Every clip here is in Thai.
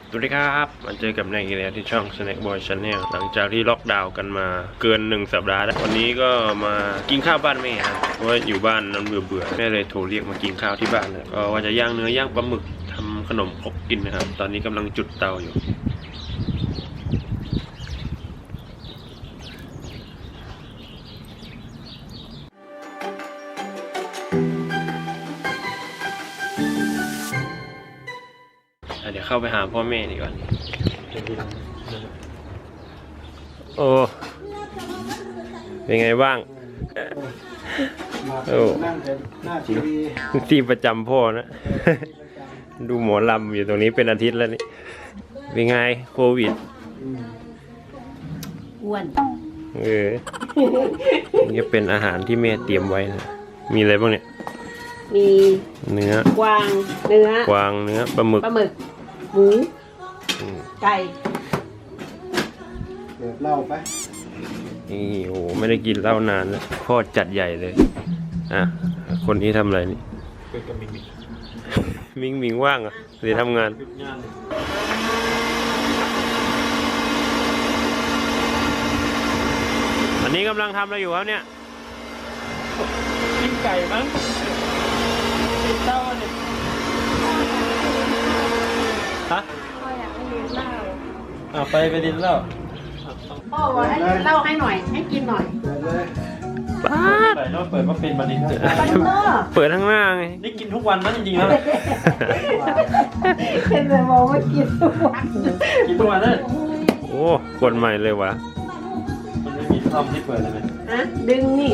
สวัสดีครับมาเจอกับนายอีกแล้วที่ช่อง Snack Boy Channel หลังจากที่ล็อกดาวน์กันมาเกิน1 สัปดาห์แล้ววันนี้ก็มากินข้าวบ้านแม่ครับเพราะว่าอยู่บ้านนั้นเบื่อแม่เลยโทรเรียกมากินข้าวที่บ้านเลยก็ว่าจะย่างเนื้อย่างปลาหมึกทำขนมครกกินนะครับตอนนี้กำลังจุดเตาอยู่เดี๋ยวเข้าไปหาพ่อแม่ดีกว่าโอ้เป็นไงบ้างโอ้ที่ประจำพ่อนะ ดูหมอลำอยู่ตรงนี้เป็นอาทิตย์แล้วนี่เป็นไงโควิดอ้วนนี่เป็นอาหารที่แม่เตรียมไว้นะมีอะไรบ้างเนี่ยมีเนื้อกวางเนื้อปลาหมึกหมูไก่เปิดเหล้าไปนี่โอ้ไม่ได้กินเหล้านานแล้วพ่อจัดใหญ่เลยอ่ะคนนี้ทำอะไรนี่เป็นกับมิงว่างอ่ะหรือทำงานอันนี้กำลังทำอะไรอยู่ครับเนี่ยปิ้งไก่มั้งติดเต้าเนี่ยฮะพ่ออยากให้กินเหล้าไปดินเหล้าพ่อบอกให้เหล้าให้หน่อยให้กินหน่อยป้าใส่แล้วเปิดว่าเป็นบันดินเปิดข้างหน้าไงนี่กินทุกวันนะจริงๆแล้วเป็นแต่บอกว่ากินทุกวันเลยโอ้คนใหม่เลยวะมันไม่มีทอมที่เปิดเลยไหมฮะดึงนี่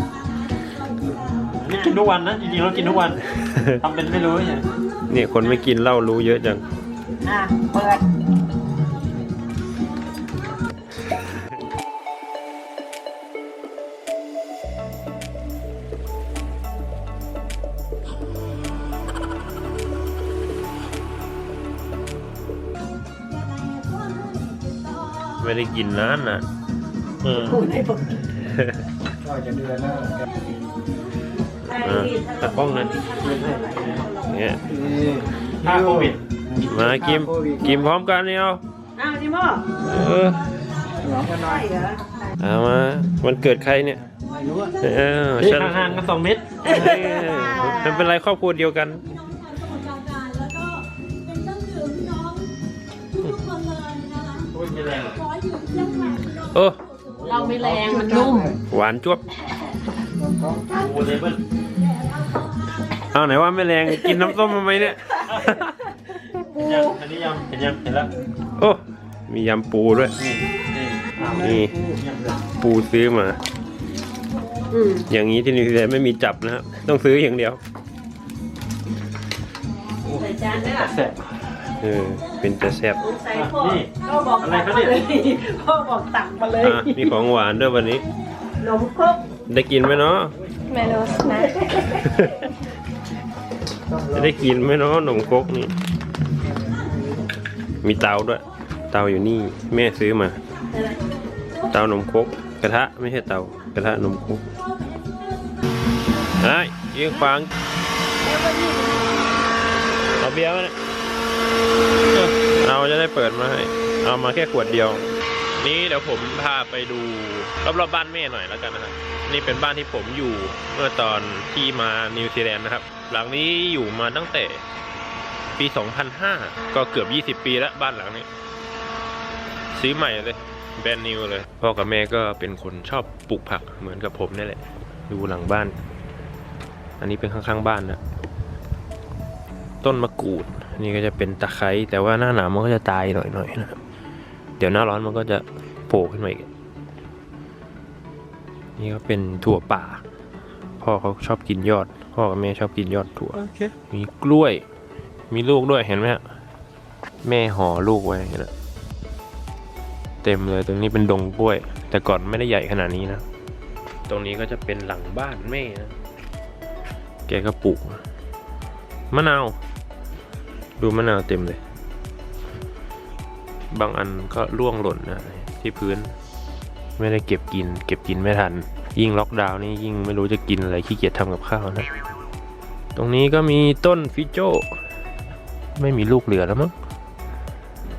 กินทุกวันนะจริงๆเรากินทุกวันทำเป็นไม่รู้เนี่ยเนี่ยคนไม่กินเหล้ารู้เยอะจังเปิดไม่ได้กินนานนะก็จะเดือนแล้วตะกล้องนั่นเนี่ยถ้าโควิดมากินพร้อมกันเนี่ยนี่พ่อเอามามันเกิดใครเนี่ยนี่ห่างกัน2 เมตรมันเป็นไรครอบครัวเดียวกันโอ้เราไม่แรงมันนุ่มหวานจ้วบเอาไหนว่าไม่แรงกินน้ำส้มทำไมเนี่ยอันนี้ยำเห็นแล้วโอ้มียำปูด้วยนี่ปูซื้อมาอย่างนี้ที่นิวซีแลนด์ไม่มีจับนะครับต้องซื้ออย่างเดียวใส่จานได้เป็นจะแซ่บนี่พ่อบอกอะไรเขาเนี่ยพ่อบอกตักมาเลยมีของหวานด้วยวันนี้นมครกได้กินไหมเนาะไม่รู้นะจะได้กินไหมเนาะนมครกนี่มีเตาด้วยเตาอยู่นี่แม่ซื้อมาเตานมครกกระทะไม่ใช่เตากระทะนมครกยิงฟังเอาเบียร์มาเนี่ยเราจะได้เปิดมาให้เอามาแค่ขวดเดียวนี่เดี๋ยวผมพาไปดูรอบๆบ้านแม่หน่อยแล้วกันนะครับนี่เป็นบ้านที่ผมอยู่เมื่อตอนที่มานิวซีแลนด์นะครับหลังนี้อยู่มาตั้งแต่ปี 2005 ก็เกือบ20 ปีแล้วบ้านหลังนี้ซื้อใหม่เลยแบรนด์นิวเลยพ่อกับแม่ก็เป็นคนชอบปลูกผักเหมือนกับผมนี่แหละดูหลังบ้านอันนี้เป็นข้างๆบ้านนะต้นมะกรูดนี่ก็จะเป็นตะไคร้แต่ว่าหน้าหนาวมันก็จะตายหน่อยๆนะครับเดี๋ยวหน้าร้อนมันก็จะโผล่ขึ้นมาอีกนี่ก็เป็นถั่วป่าพ่อเขาชอบกินยอดพ่อกับแม่ชอบกินยอดถั่วมีกล้วยมีลูกด้วยเห็นไหมฮะแม่ห่อลูกไว้นะเต็มเลยตรงนี้เป็นดงกล้วยแต่ก่อนไม่ได้ใหญ่ขนาดนี้นะตรงนี้ก็จะเป็นหลังบ้านแม่นะแกก็ปลูกมะนาวดูมะนาวเต็มเลยบางอันก็ร่วงหล่นนะที่พื้นไม่ได้เก็บกินไม่ทันยิ่งล็อกดาวน์นี่ยิ่งไม่รู้จะกินอะไรขี้เกียจทำกับข้าวนะตรงนี้ก็มีต้นฟิโจ้ไม่มีลูกเหลือแล้วมั้ง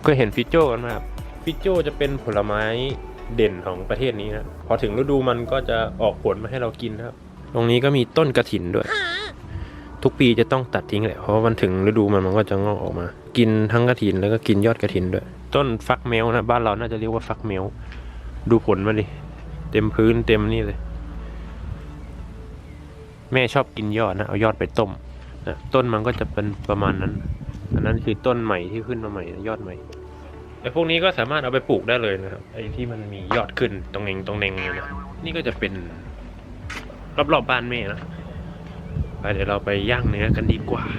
ก็เห็นฟิโจ้กันไหมครับฟิโจ้จะเป็นผลไม้เด่นของประเทศนี้นะพอถึงฤดูมันก็จะออกผลมาให้เรากินนะครับตรงนี้ก็มีต้นกระถินด้วย ทุกปีจะต้องตัดทิ้งแหละเพราะว่ามันถึงฤดูมันก็จะงอกออกมา กินทั้งกระถินแล้วก็กินยอดกระถินด้วยต้นฟักแมวนะบ้านเราน่าจะเรียกว่าฟักแมวดูผลมาดิเต็มพื้นเต็มนี่เลยแม่ชอบกินยอดนะเอายอดไปต้มนะต้นมันก็จะเป็นประมาณนั้นอันนั้นคือต้นใหม่ที่ขึ้นมาใหม่ยอดใหม่แต่พวกนี้ก็สามารถเอาไปปลูกได้เลยนะครับไอ้ที่มันมียอดขึ้นตรงเองเลยนะนี่ก็จะเป็นรอบๆบ้านแม่นะไปเดี๋ยวเราไปย่างเนื้อกันดีกว่า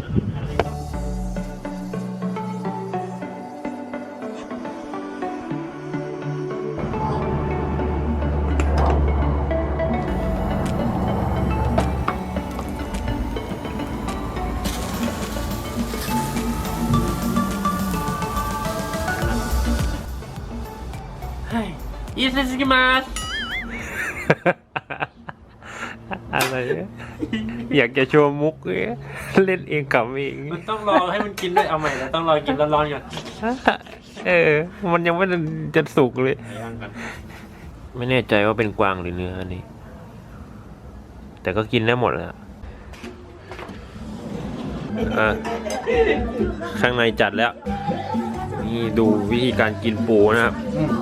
อิเซซิมาส อะไรเนี่ยอยากจะโชว์มุกเล่นเองกับเองมันต้องรอให้มันกินด้วยเอาใหม่แล้วต้องรอกินร้อนๆก่อนมันยังไม่จะสุกเลยย่างกันไม่แน่ใจว่าเป็นกวางหรือเนื้ออันนี้แต่ก็กินได้หมดแหละข้างในจัดแล้วนี่ดูวิธีการกินปูนะครับ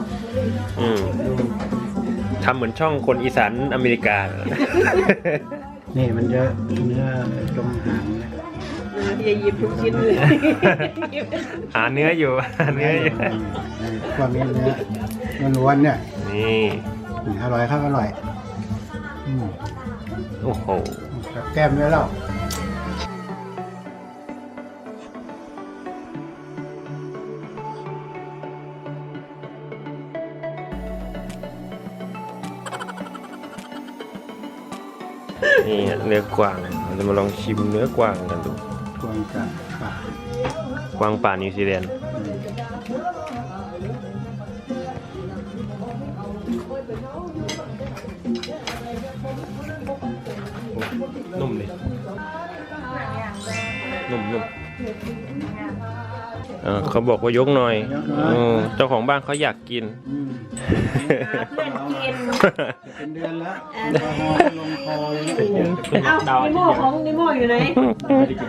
ทำเหมือนช่องคนอีสานอเมริกานี่มันจะเนื้อตรงหางนะอย่าหยิบทุกชิ้นเลยหาเนื้ออยู่หาเนื้ออยู่ความนี้เนื้อล้วนๆเนี่ยนี่อร่อยครับอร่อยโอ้โหกับแก้มด้วยแล้วนี่เนื้อกวางเราจะมาลองชิมเนื้อกวางกันดูกวางกับป่ากวางป่านิวซีแลนด์นุ่มเลยนุ่มเขาบอกว่ายกหน่อยเจ้าของบ้านเขาอยากกินเพื่อนกินเป็นเดือนแล้วแอลกอฮอล์ลงคอเลยนะเอ้านิโม่ของนิโม่อยู่ไหนไม่ได้กิน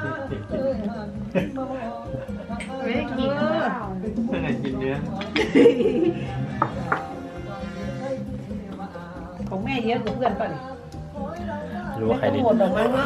ไม่ได้กินเพื่อนไหนกินเนื้อของแม่เยอะกว่าเพื่อนป่ะรู้ว่าใครดีหมดออกมาเนาะ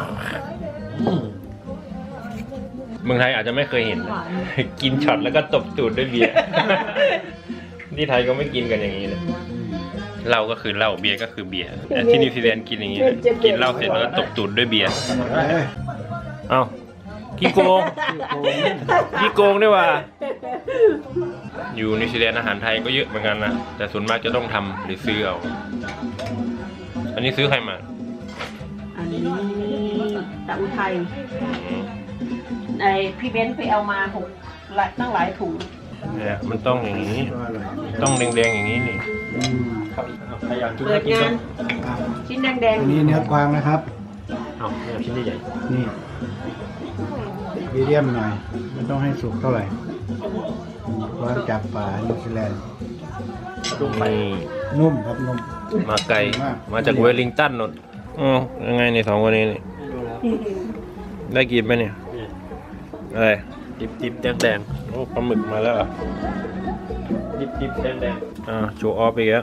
เมืองไทยอาจจะไม่เคยเห็นนะกินช็อตแล้วก็ตบตูดด้วยเบียร์ ที่ไทยก็ไม่กินกันอย่างนี้เลยเหล้าก็คือเหล้าเบียร์ก็คือเบียร์แต่ที่นิวซีแลนด์กินอย่างนี้นะกินเหล้าเสร็จแล้วก็ตบตูดด้วยเบียร์เอ้าขี้โกงขี้โกงด้วยว่ะอยู่นิวซีแลนด์อาหารไทยก็เยอะเหมือนกันนะแต่ส่วนมากจะต้องทำหรือซื้อเอาอันนี้ซื้อใครมาอันนี้ตะอุทัยไอพี่เบนซ์ไปเอามาตั้งหลายถุงเนี่ยมันต้องอย่างนี้ก็อร่อยต้องแดงๆอย่างนี้นี่ใครอยากกินเปิก็ดกินงานชิ้นแดงอันนี้เนื้อกวางนะครับเอาไม่เอาชิ้นใหญ่นี่มีเดียมหน่อยไม่ต้องให้สุกเท่าไหร่กวางจับป่านิวซีแลนด์นี่นุ่มครับนุ่มมาไกลมาจากเวลลิงตันนนยังไงเนี่ยสองคนนี้นี่ได้กินไหมเนี่ยอะไรดิบแดงโอ้ปลาหมึกมาแล้วเหรอดิบแดงโชว์ออฟไปแล้ว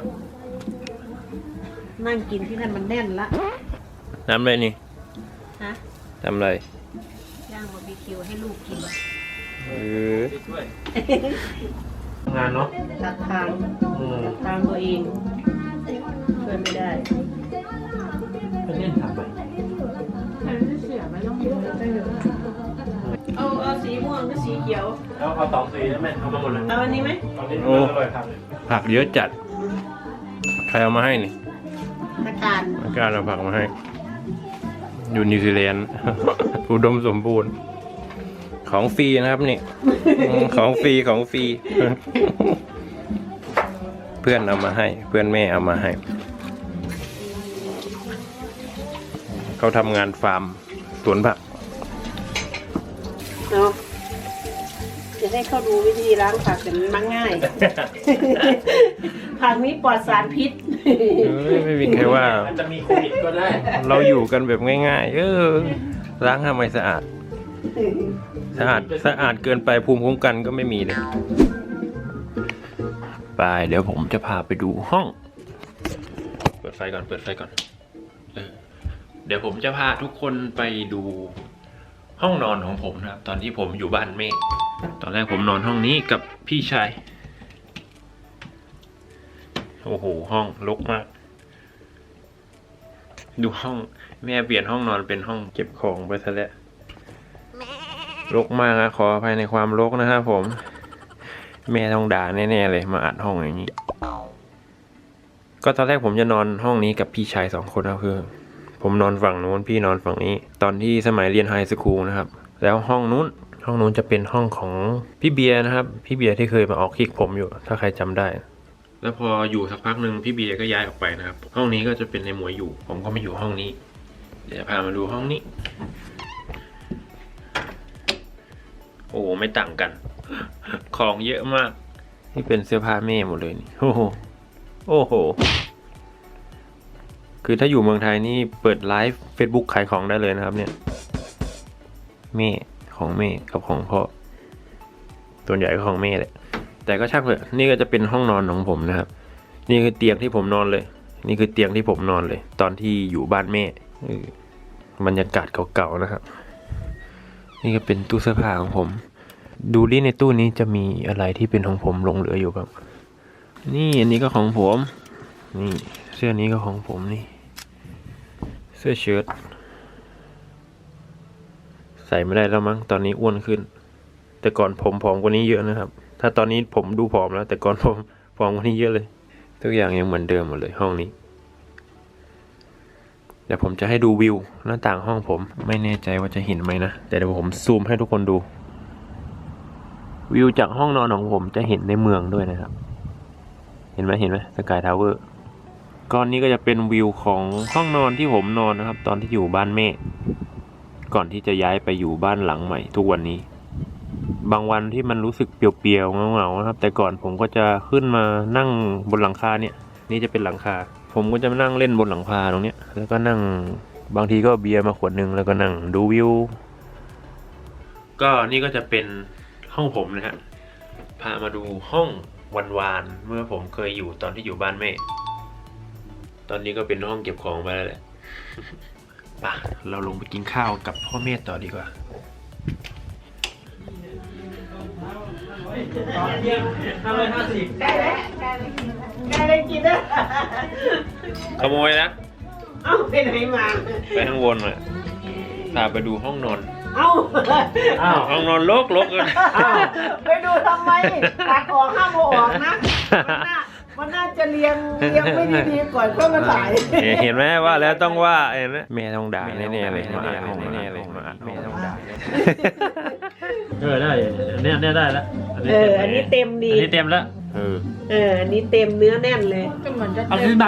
ๆนั่งกินที่นั่นมันแน่นละทำอะไรนี่ฮะทำอะไรย่างบาร์บีคิวให้ลูกกินช่วยงานเนาะตัดทางตัวเองช่วยไม่ได้ไปเล่นทำไมเอาสีม่วงกับสีเขียวเอาสองสีได้ไหมเอามาหมดเลยเอาอันนี้ไหมตอนนี้อร่อยครับผักเยอะจัดใครเอามาให้นี่ตะการอาการเอาผักมาให้ อยู่นิวซีแลนด์ อุดมสมบูรณ์ ของฟรีนะครับนี่ ของฟรี เพื่อนเอามาให้ เพื่อนแม่เอามาให้ เขาทำงานฟาร์มสวนผักเอาจะให้เขาดูวิธีล้างผักแต่มันมักง่าย ผักนี้ปลอดสารพิษไม่มีใครว่าอาจจะมีโควิดก็ได้เราอยู่กันแบบง่ายๆ ล้างทำไมสะอาด สะอาดเกินไปภูมิคุ้มกันก็ไม่มีเลยไปเดี๋ยวผมจะพาไปดูห้อง เปิดไฟก่อนเดี๋ยวผมจะพาทุกคนไปดูห้องนอนของผมนะครับ ตอนที่ผมอยู่บ้านแม่ตอนแรกผมนอนห้องนี้กับพี่ชายโอ้โหห้องรกมาก ดูห้องแม่เปลี่ยนห้องนอนเป็นห้องเก็บของไปซะแล้วรกมากนะขออภัยในความรกนะครับผมแม่ต้องด่าแน่ๆเลยมาอัดห้องอย่างนี้ก็ตอนแรกผมจะนอนห้องนี้กับพี่ชาย2 คนนะคือผมนอนฝั่งนู้นพี่นอนฝั่งนี้ ตอนที่สมัยเรียนไฮสคูลนะครับแล้วห้องนู้นจะเป็นห้องของพี่เบียร์นะครับพี่เบียร์ที่เคยมาออกคลิกผมอยู่ถ้าใครจำได้แล้วพออยู่สักพักหนึ่งพี่เบียร์ก็ย้ายออกไปนะครับห้องนี้ก็จะเป็นในหมวยอยู่ผมก็มาอยู่ห้องนี้เดี๋ยวพามาดูห้องนี้โอ้ไม่ต่างกัน ของเยอะมากนี่เป็นเสื้อผ้าแม่หมดเลยนี่โอ้โหคือถ้าอยู่เมืองไทยนี่เปิดไลฟ์ Facebook ขายของได้เลยนะครับเนี่ยแม่ของแม่กับของพ่อส่วนใหญ่ก็ของแม่แหละแต่ก็ช่างเถอะนี่ก็จะเป็นห้องนอนของผมนะครับนี่คือเตียงที่ผมนอนเลยนี่คือเตียงที่ผมนอนเลยตอนที่อยู่บ้านแม่บรรยากาศเก่าๆนะครับนี่ก็เป็นตู้เสื้อผ้าของผมดูดิในตู้นี้จะมีอะไรที่เป็นของผมหลงเหลืออยู่บ้างนี่อันนี้ก็ของผมนี่เสื้อนี้ก็ของผมนี่เสื้อเชิ้ตใส่ไม่ได้แล้วมั้งตอนนี้อ้วนขึ้นแต่ก่อนผมผอมกว่านี้เยอะนะครับถ้าตอนนี้ผมดูผอมแล้วแต่ก่อนผมผอมกว่านี้เยอะเลยทุกอย่างยังเหมือนเดิมหมดเลยห้องนี้เดี๋ยวผมจะให้ดูวิวหน้าต่างห้องผมไม่แน่ใจว่าจะเห็นไหมนะแต่เดี๋ยวผมซูมให้ทุกคนดูวิวจากห้องนอนของผมจะเห็นในเมืองด้วยนะครับเห็นไหมสกายทาวเวอร์ก้อนนี้ก็จะเป็นวิวของห้องนอนที่ผมนอนนะครับตอนที่อยู่บ้านแม่ก่อนที่จะย้ายไปอยู่บ้านหลังใหม่ทุกวันนี้บางวันที่มันรู้สึกเปลี่ยวๆเหงาๆนะครับแต่ก่อนผมก็จะขึ้นมานั่งบนหลังคาเนี่ยนี่จะเป็นหลังคาผมก็จะมานั่งเล่นบนหลังคาตรงเนี้ยแล้วก็นั่งบางทีก็เบียร์มาขวดนึงแล้วก็นั่งดูวิวก็นี่ก็จะเป็นห้องผมนะฮะพามาดูห้องวานๆเมื่อผมเคยอยู่ตอนที่อยู่บ้านแม่ตอนนี้ก็เป็นห้องเก็บของไปแล้วแหละป่ะเราลงไปกินข้าวกับพ่อแม่ต่อดีกว่า 550 ได้แล้วได้กินแล้วขโมยนะเอ้าไปไหนมาไปข้างบนมาพาไปดูห้องนอนเอ้าห้องนอนรกเลยไปดูทำไมตัดออกห้ามเอาออกนะมันน่าจะเรียงไม่ดีๆก่อนก็มาถ่ายเห็นไหมว่าแล้วต้องว่าเห็นไหมแม่ต้องด่าแน่ๆเลยมาอัดห้องแน่ๆเลยมาอัดแม่ต้องด่าได้เนี่ยได้แล้วอันนี้เต็มดีอันนี้เต็มแล้วอันนี้เต็มเนื้อแน่นเลยก็เหมือนจะเอาเต็ขึ้มนมา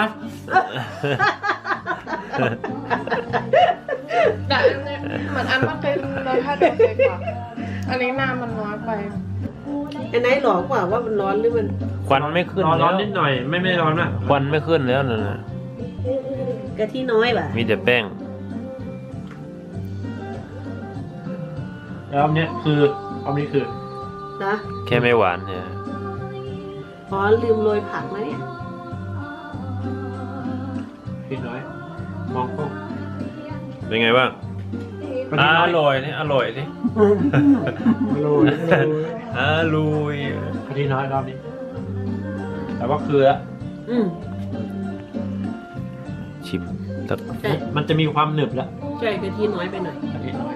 แต่อันนี้เหมือนอันเมื่อกี้รสชาติโอเคกว่าอันนี้น้ำมันน้อยไปอันไหนหลอกกว่าว่ามันร้อนหรือมันควันไม่ขึ้นร้อนนิดหน่อยไม่ร้อนมากควันไม่ขึ้นแล้วนะกะทิน้อยป่ะมีแต่แป้งแล้วอันนี้คืออันนี้คือนะแค่ไม่หวานเนี่ยอ๋อลืมโรยผักนะเนี่ยพี่น้อยมองกล้องเป็นไงบ้างอร่อยนี่อร่อยนี่ลุยอร่อยพี่น้อยรอบนี้แต่ว่าคือชิมใช่มันจะมีความหนึบแล้วใช่กะทิน้อยไปหน่อยพี่น้อย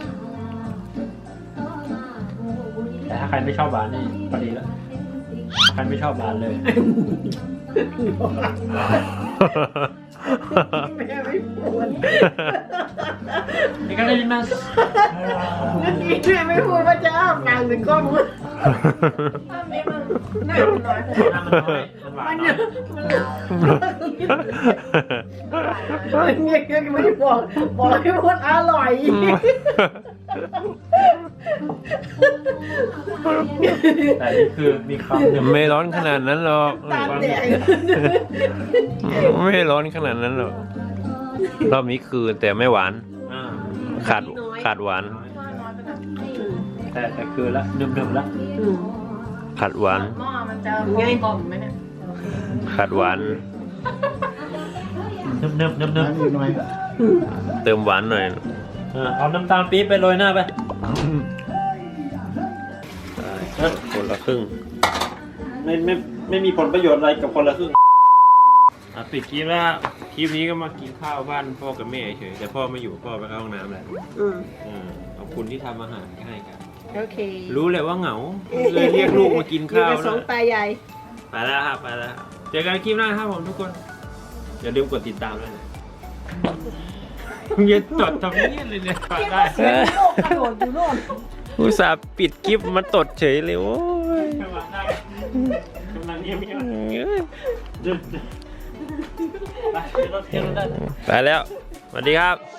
แต่ถ้าใครไม่ชอบหวานนี่พอดีแล้วใครไม่ชอบหวานเลยแม่ไม่พูดนี่ก็ได้ยินมานั่นนี่แม่ไม่พูดว่าจะอ้าปากถึงกล้องมันอันนี้มันน้ำมันน้อยไปน้ำมันน้อยมันหวานน้อยเนี่ยไม่บอกให้พูดอร่อยแต่นี่คือมีคำหนึ่งไม่ร้อนขนาดนั้นหรอกตาแดงไม่ร้อนขนาดนั้นหรอกรอบนี้คือแต่ไม่หวานอ่าขาดหวานแต่คือละเดิมๆละขาดหวานหม้อมันจะกลมๆไหมเนี่ยขาดหวานเนิบๆน้ำอีกหน่อยเติมหวานหน่อยเอาน้ำตาลปี๊บไปโรยหน้าไปคนละครึ่งไม่มีผลประโยชน์อะไรกับคนละครึ่งปิดคลิปแล้วคลิปนี้ก็มากินข้าวบ้านพ่อกับแม่เฉยแต่พ่อไม่อยู่พ่อไปเข้าห้องน้ำแล้วขอบคุณที่ทำอาหารให้กันโอเครู้เลยว่าเหงาเลยเรียกลูกมากินข้าวอยู่กับสองตายายไปแล้วครับไปแล้วเจอกันคลิปหน้าครับผมทุกคนอย่าลืมกดติดตามด้วยนะอย่าจดทำนี้เลยเนี่ยได้โลกกระโดดอยู่โน่นอุตส่าห์ปิดคลิปมาตดเฉยเลยโอ้ยกำลังเงียบไปแล้วสวัสดีครับ